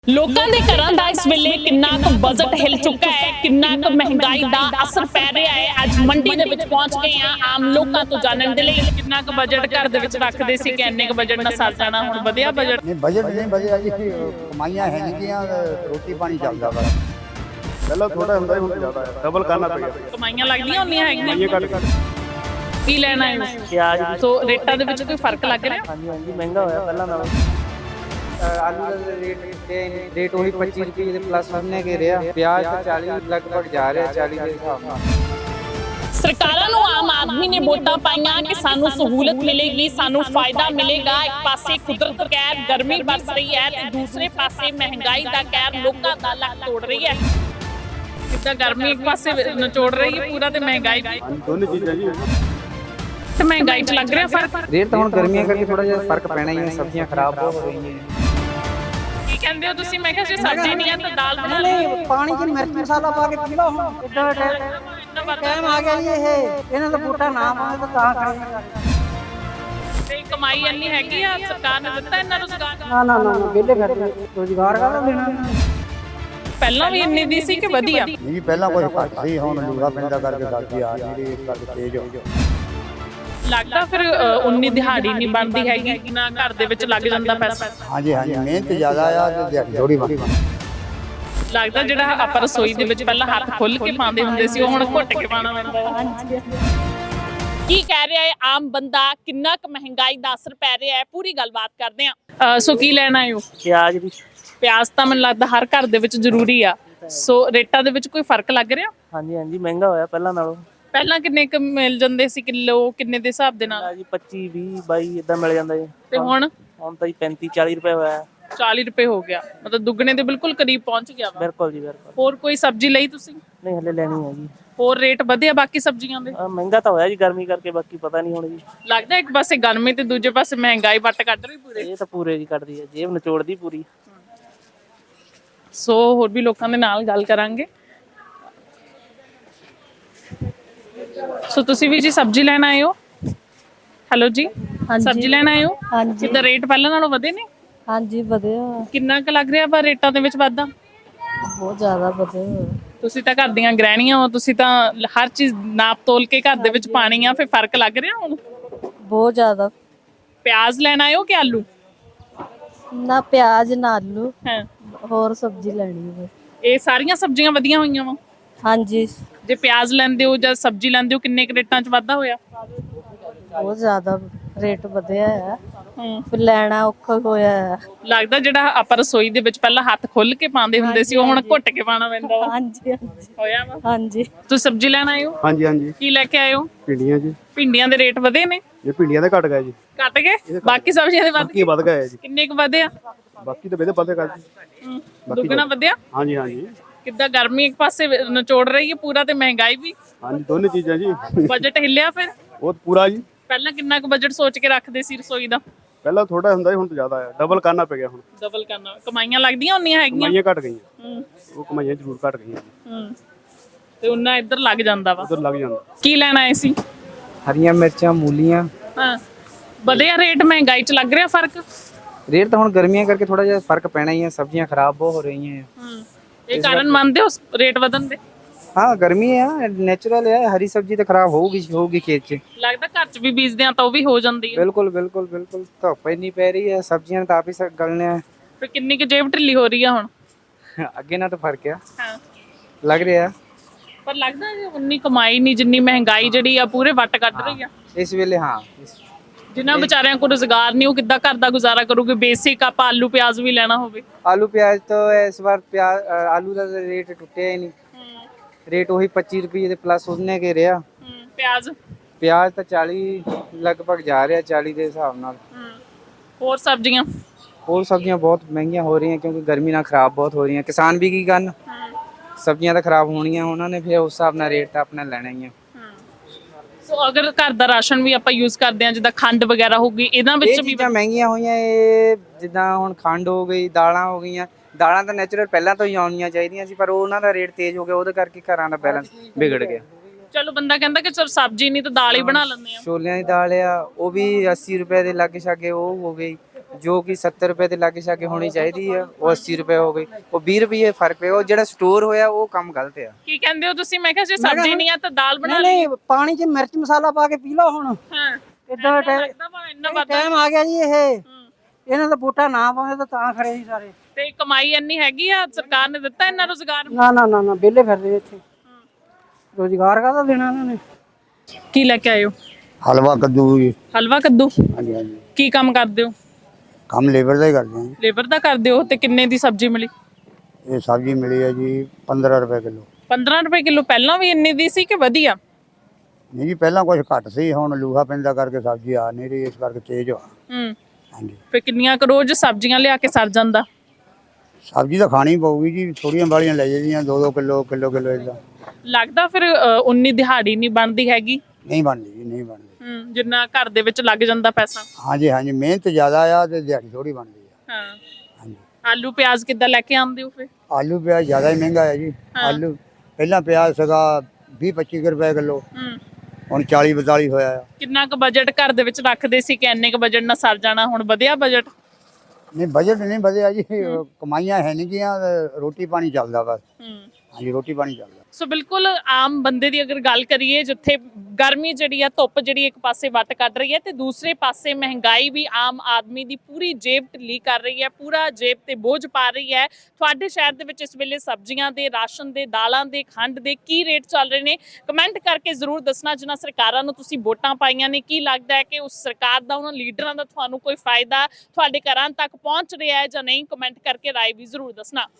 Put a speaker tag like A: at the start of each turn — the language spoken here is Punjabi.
A: ਲੋਕਾਂ ਦੇ ਘਰਾਂ ਦਾ ਇਸ ਵੇਲੇ ਕਿੰਨਾ ਕੁ ਬਜਟ ਹਿਲ ਚੁੱਕਾ ਹੈ, ਕਿੰਨਾ ਕੁ ਮਹਿੰਗਾਈ ਦਾ ਅਸਰ ਪੈ ਰਿਹਾ ਹੈ। ਅੱਜ ਮੰਡੀ ਦੇ ਵਿੱਚ ਪਹੁੰਚ ਗਏ ਆ ਆਮ ਲੋਕਾਂ ਤੋਂ ਜਾਣਨ ਦੇ ਲਈ ਕਿੰਨਾ ਕੁ ਬਜਟ ਘਰ ਦੇ ਵਿੱਚ ਰੱਖਦੇ ਸੀ ਕਿ ਇੰਨੇ ਕੁ ਬਜਟ ਨਾਲ ਸਰ ਜਾਣਾ। ਹੁਣ ਵਧਿਆ ਬਜਟ?
B: ਨਹੀਂ ਬਜਟ ਨਹੀਂ ਵਧਿਆ ਜੀ, ਕਮਾਈਆਂ ਹੈ ਨਹੀਂ ਗੀਆਂ, ਰੋਟੀ ਪਾਣੀ ਚੱਲਦਾ ਵਾ।
C: ਪਹਿਲਾਂ ਥੋੜਾ ਹੁੰਦਾ ਹੁਣ ਜ਼ਿਆਦਾ ਹੈ, ਡਬਲ ਕਰਨਾ ਪਿਆ।
A: ਕਮਾਈਆਂ ਲੱਗਦੀਆਂ ਹੁੰਦੀਆਂ ਹੈਗੀਆਂ।
C: ਇਹ ਘੱਟ
A: ਕੀ ਲੈਣਾ ਹੈ?
D: ਪਿਆਜ਼
A: ਸੋ ਰੇਟਾਂ ਦੇ ਵਿੱਚ ਕੋਈ ਫਰਕ ਲੱਗ ਰਿਹਾ?
D: ਹਾਂਜੀ ਹਾਂਜੀ ਮਹਿੰਗਾ ਹੋਇਆ ਪਹਿਲਾਂ ਨਾਲੋਂ।
E: आलू का रेट वही 25 रुपये के प्लस हमने के रहा। प्याज तो 40 लगभग जा रहे हैं, 40 के हिसाब से।
A: ਸਰਕਾਰਾਂ ਨੂੰ ਆਮ ਆਦਮੀ ਨੇ ਵੋਟਾਂ ਪਾਈਆਂ ਕਿ ਸਾਨੂੰ ਸਹੂਲਤ ਮਿਲੇਗੀ, ਸਾਨੂੰ ਫਾਇਦਾ ਮਿਲੇਗਾ। ਇੱਕ ਪਾਸੇ ਕੁਦਰਤ ਕਹਿਰ ਗਰਮੀ ਬਰਸ ਰਹੀ ਹੈ ਤੇ ਦੂਸਰੇ ਪਾਸੇ ਮਹਿੰਗਾਈ ਦਾ ਕਹਿਰ ਲੋਕਾਂ ਦਾ ਲੱਕ ਤੋੜ ਰਹੀ ਹੈ। ਕਿੱਦਾਂ ਗਰਮੀ ਇੱਕ ਪਾਸੇ ਨਿਚੋੜ ਰਹੀ ਹੈ ਪੂਰਾ ਤੇ ਮਹਿੰਗਾਈ ਵੀ।
C: ਦੋਨੇ ਚੀਜ਼ਾਂ ਜੀ।
A: ਤੇ ਮਹਿੰਗਾਈ 'ਚ ਲੱਗ ਰਿਹਾ ਫਰਕ?
E: रेट तो हम गर्मियाँ करके थोड़ा जिहा फर्क पैना ही है, सब्जियां खराब बहुत हो रही हैं।
A: ਕੀ ਕਹਿੰਦੇ ਹੋ ਤੁਸੀਂ? ਮੈਂ ਕਿਹਾ ਜੇ ਸਬਜ਼ੀ ਨਹੀਂ ਹੈ ਤਾਂ ਦਾਲ ਬਣਾ
E: नहीं पानी च मिर्च मसाला पा के पी लो। टाइम आ गया जी, ये इन्हां दा बूटा ना पावे तो तां खड़े।
A: ਤੇ ਕਮਾਈ ਇੰਨੀ ਹੈਗੀ ਆ, ਸਰਕਾਰ ਨੇ ਦਿੱਤਾ ਇਹਨਾਂ ਰੁਜ਼ਗਾਰ?
E: ना ना ना बेले फिरदे रोजगार का लेना।
A: ਪਹਿਲਾਂ ਵੀ ਇੰਨੀ ਦੀ ਸੀ ਕਿ ਵਧੀਆ?
B: ਨਹੀਂ ਜੀ, ਪਹਿਲਾਂ ਕੋਈ ਘੱਟ ਸੀ, ਹੁਣ ਲੂਗਾ ਪਿੰਡਾ ਕਰਕੇ ਸਬਜ਼ੀ ਆ ਜਿਹੜੀ ਇਸ ਕਰਕੇ ਤੇਜ਼ ਹੋ ਗਈ।
A: ਲੱਗਦਾ ਫਿਰ ਉਨੀ ਦਿਹਾੜੀ ਨਹੀਂ ਬਣਦੀ ਹੈਗੀ ਕਿ ਨਾ ਘਰ ਦੇ ਵਿੱਚ ਲੱਗ ਜਾਂਦਾ ਪੈਸਾ।
B: ਹਾਂਜੀ ਹਾਂਜੀ, ਮਿਹਨਤ ਜ਼ਿਆਦਾ ਆ ਤੇ ਦਿਹਾੜੀ ਥੋੜੀ ਬਣੀ।
A: ਲੱਗਦਾ ਜਿਹੜਾ ਆਪਾਂ ਰਸੋਈ ਦੇ ਵਿੱਚ ਪਹਿਲਾਂ ਹੱਥ ਖੁੱਲ ਕੇ ਪਾਉਂਦੇ ਹੁੰਦੇ ਸੀ ਉਹ ਹੁਣ ਘੁੱਟ ਕੇ ਪਾਉਣਾ ਪੈਂਦਾ ਹੈ। ਕੀ ਕਹਿ ਰਿਹਾ ਹੈ ਆਮ ਬੰਦਾ, ਕਿੰਨਾ ਕੁ ਮਹਿੰਗਾਈ ਦਾ ਅਸਰ ਪੈ ਰਿਹਾ ਹੈ, ਪੂਰੀ ਗੱਲਬਾਤ ਕਰਦੇ ਆ। ਸੋ ਕੀ ਲੈਣਾ ਹੈ?
D: ਪਿਆਜ਼ ਵੀ
A: ਪਿਆਜ਼ ਤਾਂ ਮੈਨੂੰ ਲੱਗਦਾ ਹਰ ਘਰ ਦੇ ਵਿੱਚ ਜ਼ਰੂਰੀ ਆ। ਸੋ ਰੇਟਾਂ ਦੇ ਵਿੱਚ ਕੋਈ ਫਰਕ ਲੱਗ ਰਿਹਾ?
D: ਹਾਂਜੀ ਹਾਂਜੀ ਮਹਿੰਗਾ ਹੋਇਆ ਪਹਿਲਾਂ ਨਾਲੋਂ।
A: ਪਹਿਲਾਂ ਕਿੰਨੇ ਕੁ ਮਿਲ ਜਾਂਦੇ ਸੀ ਕਿਲੋ, ਕਿੰਨੇ ਦੇ ਹਿਸਾਬ ਦੇ ਨਾਲ?
D: ਜੀ 25 20 22 ਇਦਾਂ ਮਿਲ ਜਾਂਦਾ ਜੀ।
A: ਤੇ ਹੁਣ
D: ਤਾਂ ਜੀ 35 40 ਰੁਪਏ ਹੋਇਆ।
A: 40 ਰੁਪਏ ਹੋ ਗਿਆ, ਮਤਲਬ ਦੁੱਗਣੇ ਦੇ ਬਿਲਕੁਲ ਕਰੀਬ ਪਹੁੰਚ ਗਿਆ ਵਾ।
D: ਬਿਲਕੁਲ ਜੀ ਬਿਲਕੁਲ।
A: ਹੋਰ ਕੋਈ ਸਬਜ਼ੀ ਲਈ ਤੁਸੀਂ?
D: ਨਹੀਂ ਹਲੇ ਲੈਣੀ ਹੈ ਜੀ।
A: ਹੋਰ ਰੇਟ ਵਧਿਆ ਬਾਕੀ ਸਬਜ਼ੀਆਂ ਦੇ?
D: ਮਹਿੰਗਾ ਤਾਂ ਹੋਇਆ ਜੀ ਗਰਮੀ ਕਰਕੇ, ਬਾਕੀ ਪਤਾ ਨਹੀਂ ਹੁਣ ਜੀ।
A: ਲੱਗਦਾ ਇੱਕ ਪਾਸੇ ਗਰਮੀ ਤੇ ਦੂਜੇ ਪਾਸੇ ਮਹਿੰਗਾਈ ਵੱਟ ਕੱਢ ਰਹੀ ਪੂਰੇ।
D: ਇਹ ਤਾਂ ਪੂਰੇ ਜੀ ਕੱਢਦੀ ਹੈ, ਜੇਬ ਨਿਚੋੜਦੀ ਪੂਰੀ।
A: ਸੋ ਹੋਰ ਵੀ ਲੋਕਾਂ ਦੇ ਨਾਲ ਗੱਲ ਕਰਾਂਗੇ। ਸੋ ਤੁਸੀਂ ਵੀ ਜੀ ਸਬਜ਼ੀ ਲੈਣ ਆਏ ਹੋ? ਹੈਲੋ ਜੀ, ਸਬਜ਼ੀ ਲੈਣ ਆਏ ਹੋ?
F: ਹਾਂਜੀ
A: ਕਿੱਦਾਂ ਰੇਟ ਪਹਿਲਾਂ ਨਾਲੋਂ ਵਧੇ ਨੇ?
F: ਹਾਂਜੀ ਵਧਿਆ,
A: ਕਿੰਨਾ ਕੁ ਲੱਗ ਰਿਹਾ ਵਾ ਰੇਟਾਂ ਦੇ ਵਿੱਚ ਵਾਧਾ?
F: ਬਹੁਤ ਜ਼ਿਆਦਾ ਵਧਿਆ।
A: ਤੁਸੀਂ ਤਾਂ ਘਰ ਦੀਆਂ ਗ੍ਰਹਿਣੀਆਂ ਹੋ, ਤੁਸੀਂ ਤਾਂ ਹਰ ਚੀਜ਼ ਨਾਪ ਤੋਲ ਕੇ ਘਰ ਦੇ ਵਿੱਚ ਪਾਣੀ ਆ, ਫਿਰ ਫਰਕ ਲੱਗ ਰਿਹਾ ਹੁਣ?
F: ਬਹੁਤ ਜ਼ਿਆਦਾ।
A: ਪਿਆਜ਼ ਲੈਣ ਆਏ ਹੋ ਕਿ ਆਲੂ?
F: ਨਾ ਪਿਆਜ਼ ਨਾ ਆਲੂ,
A: ਹਾਂ,
F: ਹੋਰ ਸਬਜ਼ੀ ਲੈਣੀ ਹੈ।
A: ਇਹ ਸਾਰੀਆਂ ਸਬਜ਼ੀਆਂ ਵਧੀਆਂ ਹੋਈਆਂ ਵਾ।
F: ਹਾਂਜੀ
A: ਜੇ ਪਿਆਜ਼ ਲੈਂਦੇ ਹੋ ਜਾਂ ਸਬਜ਼ੀ ਲੈਂਦੇ ਹੋ, ਕਿੰਨੇ ਕੁ ਰੇਟਾਂ 'ਚ ਵਾਧਾ ਹੋਇਆ?
F: ਬਹੁਤ ਜ਼ਿਆਦਾ ਰੇਟ ਵਧਿਆ ਹੈ,
A: ਹੂੰ,
F: ਫਿਰ ਲੈਣਾ ਔਖਾ ਹੋਇਆ ਹੈ।
A: ਲੱਗਦਾ ਜਿਹੜਾ ਆਪਾਂ ਰਸੋਈ ਦੇ ਵਿੱਚ ਪਹਿਲਾਂ ਹੱਥ ਖੁੱਲ ਕੇ ਪਾਉਂਦੇ ਹੁੰਦੇ ਸੀ ਉਹ ਹੁਣ ਘੁੱਟ ਕੇ ਪਾਉਣਾ ਪੈਂਦਾ ਵਾ।
F: ਹਾਂਜੀ ਹਾਂਜੀ
A: ਹੋਇਆ ਵਾ?
F: ਹਾਂਜੀ।
A: ਤੁਸੀਂ ਸਬਜ਼ੀ ਲੈਣ ਆਏ ਹੋ?
C: ਹਾਂਜੀ ਹਾਂਜੀ।
A: ਕੀ ਲੈ ਕੇ ਆਏ ਹੋ?
C: ਭਿੰਡੀਆਂ ਜੀ।
A: ਭਿੰਡੀਆਂ ਦੇ ਰੇਟ ਵਧੇ ਨੇ?
C: ਇਹ ਭਿੰਡੀਆਂ ਦੇ ਘਟ ਗਏ ਜੀ।
A: ਘਟ ਗਏ? ਬਾਕੀ ਸਬਜ਼ੀਆਂ ਦੇ ਵੱਧ
C: ਬਾਕੀ ਵੱਧ ਗਏ ਜੀ।
A: ਕਿੰਨੇ ਕੁ ਵਧੇ ਆ?
C: ਬਾਕੀ ਤਾਂ ਵਧੇ ਪਤਾ ਕਰ ਜੀ।
A: ਦੁੱਗਣਾ ਵਧਿਆ?
C: ਹਾਂਜੀ ਹਾਂਜੀ
A: ਕਿੱਦਾਂ ਗਰਮੀ ਇੱਕ ਪਾਸੇ ਨਿਚੋੜ ਰਹੀ ਹੈ ਪੂਰਾ ਤੇ ਮਹਿੰਗਾਈ ਵੀ।
C: ਹਾਂਜੀ, ਦੋਨੇ ਚੀਜ਼ਾਂ ਜੀ।
A: ਬਜਟ ਹਿੱਲਿਆ ਫਿਰ?
C: ਉਹ ਪੂਰਾ ਜੀ।
A: ਪਹਿਲਾਂ ਕਿੰਨਾ ਕੁ ਬਜਟ ਸੋਚ ਕੇ ਰੱਖਦੇ ਸੀ ਰਸੋਈ ਦਾ?
C: ਪਹਿਲਾਂ ਥੋੜਾ ਹੁੰਦਾ ਹੁਣ ਤਾਂ ਜ਼ਿਆਦਾ ਹੈ, ਡਬਲ ਕਰਨਾ ਪੈ ਗਿਆ ਹੁਣ।
A: ਡਬਲ ਕਰਨਾ। ਕਮਾਈਆਂ ਲੱਗਦੀਆਂ ਹੁੰਦੀਆਂ ਹੈਗੀਆਂ?
C: ਕਮਾਈਆਂ ਘਟ ਗਈਆਂ।
A: ਹੂੰ
C: ਉਹ ਕਮਾਈਆਂ ਜ਼ਰੂਰ ਘਟ ਗਈਆਂ।
A: ਹੂੰ, ਤੇ ਉਹਨਾਂ ਇੱਧਰ ਲੱਗ ਜਾਂਦਾ ਵਾ।
C: ਉਧਰ ਲੱਗ ਜਾਂਦਾ।
A: ਕੀ ਲੈਣ ਆਏ ਸੀ?
E: हरियां मिर्चां मूलियां।
A: ਹਾਂ, ਵਧਿਆ ਰੇਟ ਮਹਿੰਗਾਈ 'ਚ ਲੱਗ ਰਿਹਾ ਫਰਕ?
E: रेट तो हम गर्मियाँ करके थोड़ा जिहा फर्क पैना ही है, सब्जियां खराब बहुत हो रही हैं।
A: ਹੂੰ, ਇਹ ਕਾਰਨ ਮੰਨਦੇ ਹੋ ਰੇਟ ਵਧਣ ਦੇ?
E: हाँ गर्मी है, नेचुरल है, हरी सब्जी तो खराब होगी खेत च।
A: ਲੱਗਦਾ ਘਰ 'ਚ ਵੀ ਬੀਜਦੇ ਆ ਤਾਂ ਉਹ ਵੀ ਹੋ ਜਾਂਦੀ ਹੈ।
E: बिल्कुल बिल्कुल बिल्कुल, धुप इन्नी पै रही है, सब्जियां तो आप ही गलने हैं।
A: ਫਿਰ ਕਿੰਨੀ ਕੁ ਜੇਬ ਢਿੱਲੀ ਹੋ ਰਹੀ ਆ ਹੁਣ?
E: ਅੱਗੇ ਨਾਲ ਤਾਂ ਫਰਕ ਆ,
A: ਹਾਂ,
E: ਲੱਗ ਰਿਹਾ
A: ਪਰ ਲੱਗਦਾ ਜੀ ਉਨੀ ਕਮਾਈ ਨਹੀਂ ਜਿੰਨੀ ਮਹਿੰਗਾਈ ਜਿਹੜੀ ਆ ਪੂਰੇ ਵੱਟ ਕੱਢ ਰਹੀ ਆ।
E: ਇਸ ਵੇਲੇ। ਹਾਂ
A: ਜਿਨ੍ਹਾਂ ਵਿਚਾਰਿਆਂ ਕੋਲ ਰੁਜ਼ਗਾਰ ਨਹੀਂ ਉਹ ਕਿੱਦਾਂ ਘਰ ਦਾ ਗੁਜ਼ਾਰਾ ਕਰੂਗੇ? ਬੇਸਿਕ ਆਪਾਂ ਆਲੂ ਪਿਆਜ਼ ਵੀ ਲੈਣਾ ਹੋਵੇ।
E: ਆਲੂ ਪਿਆਜ਼ ਤੋਂ ਇਸ ਵਾਰ ਆਲੂ ਦਾ ਰੇਟ ਟੁੱਟਿਆ ਹੀ ਨਹੀਂ, ਰੇਟ ਉਹੀ 25 ਰੁਪਏ ਦੇ ਪਲੱਸ ਉਹਨੇ ਕੇ ਰਿਹਾ।
A: ਪਿਆਜ਼?
E: ਪਿਆਜ਼ ਤਾਂ 40 ਲਗਭਗ ਜਾ ਰਿਹਾ, 40 ਦੇ ਹਿਸਾਬ ਨਾਲ।
A: ਹੋਰ ਸਬਜ਼ੀਆਂ?
E: ਹੋਰ ਸਬਜ਼ੀਆਂ ਬਹੁਤ ਮਹਿੰਗੀਆਂ ਹੋ ਰਹੀਆਂ ਕਿਉਂਕਿ ਗਰਮੀ ਨਾਲ ਖਰਾਬ ਬਹੁਤ ਹੋ ਰਹੀਆਂ। ਕਿਸਾਨ ਵੀ ਕੀ ਕਰਨ, ਸਬਜ਼ੀਆਂ ਤਾਂ ਖਰਾਬ ਹੋਣੀਆਂ, ਉਹਨਾਂ ਨੇ ਫਿਰ ਉਸ ਹਿਸਾਬ ਨਾਲ ਰੇਟ ਤਾਂ ਆਪਣਾ ਲੈਣਾ ਹੀ ਆ।
A: ਸੋ ਅਗਰ ਘਰ ਦਾ ਰਾਸ਼ਨ ਵੀ ਆਪਾਂ ਯੂਜ਼ ਕਰਦੇ ਆ, ਜਿੱਦਾਂ ਖੰਡ ਵਗੈਰਾ ਹੋ ਗਈ, ਇਹਨਾਂ ਵਿੱਚ
E: ਇਹ
A: ਵੀ
E: ਚੀਜ਼ਾਂ ਮਹਿੰਗੀਆਂ ਹੋਈਆਂ। ਇਹ ਜਿੱਦਾਂ ਹੁਣ ਖੰਡ ਹੋ ਗਈ, ਦਾਲਾਂ ਹੋ ਗਈਆਂ। ਦਾਲਾਂ ਤਾਂ ਨੈਚੁਰਲ ਪਹਿਲਾਂ ਤੋਂ ਹੀ ਆਉਣੀਆਂ ਚਾਹੀਦੀਆਂ ਸੀ, ਪਰ ਉਹਨਾਂ ਦਾ ਰੇਟ ਤੇਜ਼ ਹੋ ਗਿਆ, ਉਹਦੇ ਕਰਕੇ ਘਰਾਂ ਦਾ ਬੈਲੈਂਸ ਵਿਗੜ ਗਿਆ।
A: ਚਲੋ ਬੰਦਾ ਕਹਿੰਦਾ ਕਿ ਚਲ ਸਬਜ਼ੀ ਨਹੀਂ ਤਾਂ ਦਾਲ ਹੀ ਬਣਾ ਲੈਂਦੇ ਆ।
E: ਛੋਲਿਆਂ ਦੀ ਦਾਲ ਆ, ਉਹ ਵੀ 80 ਰੁਪਏ ਦੇ ਲਾਗੇ ਛਾਗੇ ਉਹ ਹੋ ਗਈ। ਜੋ ਕਿ 70 ਰੁਪਏ ਦੇ ਲਾਗੇ ਛਾਗੇ ਹੋਣੀ ਚਾਹੀਦੀ ਆ ਉਹ 80 ਰੁਪਏ ਹੋ ਗਈ, ਉਹ 20 ਰੁਪਏ ਫਰਕ ਪਿਆ। ਉਹ ਜਿਹੜਾ ਸਟੋਰ ਹੋਇਆ ਉਹ ਕੰਮ ਗਲਤ ਆ।
A: ਕੀ ਕਹਿੰਦੇ ਹੋ ਤੁਸੀਂ? ਮੈਂ ਕਿਹਾ ਜੇ ਸਬਜ਼ੀ ਨਹੀਂ ਆ ਤਾਂ ਦਾਲ ਬਣਾ
G: ਨਹੀਂ ਪਾਣੀ 'ਚ ਮਿਰਚ ਮਸਾਲਾ ਪਾ ਕੇ ਪੀ ਲਓ ਹੁਣ।
A: ਹਾਂ
G: ਇਦਾਂ ਦਾ
A: ਲੱਗਦਾ ਵਾ ਇੰਨਾ ਵੱਧ
G: ਟਾਈਮ ਆ ਗਿਆ ਜੀ। ਇਹਨਾਂ ਦਾ ਵੋਟਾਂ ਨਾ ਪਾਉਂਦੇ ਤਾਂ ਖਰੇ ਜੀ ਸਾਰੇ।
A: ਤੇ ਕਮਾਈ ਇੰਨੀ ਹੈਗੀ ਆ, ਸਰਕਾਰ ਨੇ ਦਿੱਤਾ ਇੰਨਾ ਰੋਜ਼ਗਾਰ?
G: ਨਾ ਨਾ ਨਾ ਨਾ ਵਿਹਲੇ ਫਿਰਦੇ ਇੱਥੇ, ਰੋਜ਼ਗਾਰ ਕਾਹਦਾ ਦੇਣਾ ਇਹਨਾਂ ਨੇ।
A: ਕੀ ਲੈ ਕੇ ਆਏ ਹੋ?
B: ਹਲਵਾ ਕੱਦੂ ਜੀ।
A: ਹਲਵਾ ਕੱਦੂ।
B: ਹਾਂਜੀ ਹਾਂਜੀ,
A: ਕੀ ਕੰਮ ਕਰਦੇ ਹੋ?
B: ਕੰਮ ਲੇਬਰ ਦਾ ਹੀ ਕਰਦੇ ਹਾਂ।
A: ਲੇਬਰ ਦਾ ਕਰਦੇ ਹੋ। ਤੇ ਕਿੰਨੇ ਦੀ ਸਬਜ਼ੀ ਮਿਲੀ?
B: ਇਹ ਸਬਜ਼ੀ ਮਿਲੀ ਹੈ ਜੀ 15 ਰੁਪਏ ਕਿਲੋ।
A: 15 ਰੁਪਏ ਕਿਲੋ। ਪਹਿਲਾਂ ਵੀ ਇੰਨੀ ਦੀ ਸੀ ਕਿ ਵਧੀਆ?
B: ਨਹੀਂ ਜੀ, ਪਹਿਲਾਂ ਕੁਝ ਘੱਟ ਸੀ, ਹੁਣ ਲੂਹਾ ਪੈਂਦਾ ਕਰਕੇ ਸਬਜ਼ੀ ਆ ਨਹੀਂ ਰਹੀ, ਇਸ ਕਰਕੇ ਤੇਜ਼ ਆ। ਹਾਂਜੀ।
A: ਫੇ ਕਿੰਨੀਆਂ ਕੁ ਰੋਜ਼ ਸਬਜ਼ੀਆਂ ਲਿਆ ਕੇ ਸਰ ਜਾਂਦਾ?
B: ਸਬਜ਼ੀ ਤਾਂ ਖਾਣੀ ਪਊਗੀ ਜੀ, ਥੋੜੀਆਂ ਬਾਲੀਆਂ ਲੈ ਜਾਂਦੀਆਂ 2-2 ਕਿਲੋ ਕਿਲੋ ਇਦਾਂ।
A: ਲੱਗਦਾ ਫਿਰ ਉਨੀ ਦਿਹਾੜੀ ਨਹੀਂ ਬਣਦੀ ਹੈਗੀ?
B: ਨਹੀਂ ਬਣਦੀ ਜੀ, ਨਹੀਂ ਬਣਦੀ।
A: ਜਿੰਨਾ ਘਰ ਦੇ ਵਿੱਚ ਲੱਗ ਜਾਂਦਾ ਪੈਸਾ।
B: ਹਾਂਜੀ ਹਾਂਜੀ, ਮਿਹਨਤ ਜ਼ਿਆਦਾ ਆ ਤੇ ਦਿਹਾੜੀ ਥੋੜੀ ਬਣਦੀ ਆ।
A: ਹਾਂ।
B: ਹਾਂਜੀ।
A: ਆਲੂ ਪਿਆਜ਼ ਕਿੱਦਾਂ ਲੈ ਕੇ ਆਉਂਦੇ ਹੋ ਫਿਰ?
B: ਆਲੂ ਪਿਆਜ਼ ਜ਼ਿਆਦਾ ਹੀ ਮਹਿੰਗਾ ਹੈ ਜੀ। ਆਲੂ ਪਹਿਲਾਂ ਪਿਆਜ਼ ਸੀਗਾ 20-25 ਰੁਪਏ ਕਿਲੋ, ਹੁਣ 40-42 ਹੋਇਆ ਆ।
A: ਕਿੰਨਾ ਕੁ ਬਜਟ ਘਰ ਦੇ ਵਿੱਚ ਰੱਖਦੇ ਸੀ ਕਿ ਇੰਨੇ ਕੁ ਬਜਟ ਨਾਲ ਸਰ ਜਾਣਾ? ਹੁਣ ਵਧਿਆ ਬਜਟ?
B: ਨਹੀਂ ਬਜਟ ਨਹੀਂ ਵਧਿਆ ਜੀ, ਕਮਾਈਆਂ ਹੈ ਨਹੀਂ ਗੀਆਂ, ਰੋਟੀ ਪਾਣੀ ਚੱਲਦਾ ਬਸ। ਹਾਂਜੀ, ਰੋਟੀ ਪਾਣੀ ਚੱਲਦਾ।
A: ਸੋ ਬਿਲਕੁਲ ਆਮ ਬੰਦੇ ਦੀ ਅਗਰ ਗੱਲ ਕਰੀਏ, ਜਿੱਥੇ ਗਰਮੀ ਜਿਹੜੀ ਆ, ਧੁੱਪ ਜਿਹੜੀ ਇੱਕ ਪਾਸੇ ਵੱਟ ਕੱਢ ਰਹੀ ਹੈ ਤੇ ਦੂਸਰੇ ਪਾਸੇ ਮਹਿੰਗਾਈ ਵੀ ਆਮ ਆਦਮੀ ਦੀ ਪੂਰੀ ਜੇਬ ਢਿੱਲੀ ਕਰ ਰਹੀ ਹੈ, ਪੂਰਾ ਜੇਬ ਤੇ ਬੋਝ ਪਾ ਰਹੀ ਹੈ। ਤੁਹਾਡੇ ਸ਼ਹਿਰ ਦੇ ਵਿੱਚ ਇਸ ਵੇਲੇ ਸਬਜ਼ੀਆਂ ਦੇ, ਰਾਸ਼ਨ ਦੇ, ਦਾਲਾਂ ਦੇ, ਖੰਡ ਦੇ ਕੀ ਰੇਟ ਚੱਲ ਰਹੇ ਨੇ? ਕਮੈਂਟ ਕਰਕੇ ਜ਼ਰੂਰ ਦੱਸਣਾ। ਜਿਨ੍ਹਾਂ ਸਰਕਾਰਾਂ ਨੂੰ ਤੁਸੀਂ ਵੋਟਾਂ ਪਾਈਆਂ ਨੇ, ਕੀ ਲੱਗਦਾ ਹੈ ਕਿ ਉਸ ਸਰਕਾਰ ਦਾ, ਉਹਨਾਂ ਲੀਡਰਾਂ ਦਾ ਤੁਹਾਨੂੰ ਕੋਈ ਫਾਇਦਾ ਤੁਹਾਡੇ ਘਰਾਂ ਤੱਕ ਪਹੁੰਚ ਰਿਹਾ ਹੈ ਜਾਂ ਨਹੀਂ? ਕਮੈਂਟ ਕਰਕੇ ਰਾਏ ਵੀ ਜ਼ਰੂਰ ਦੱਸਣਾ।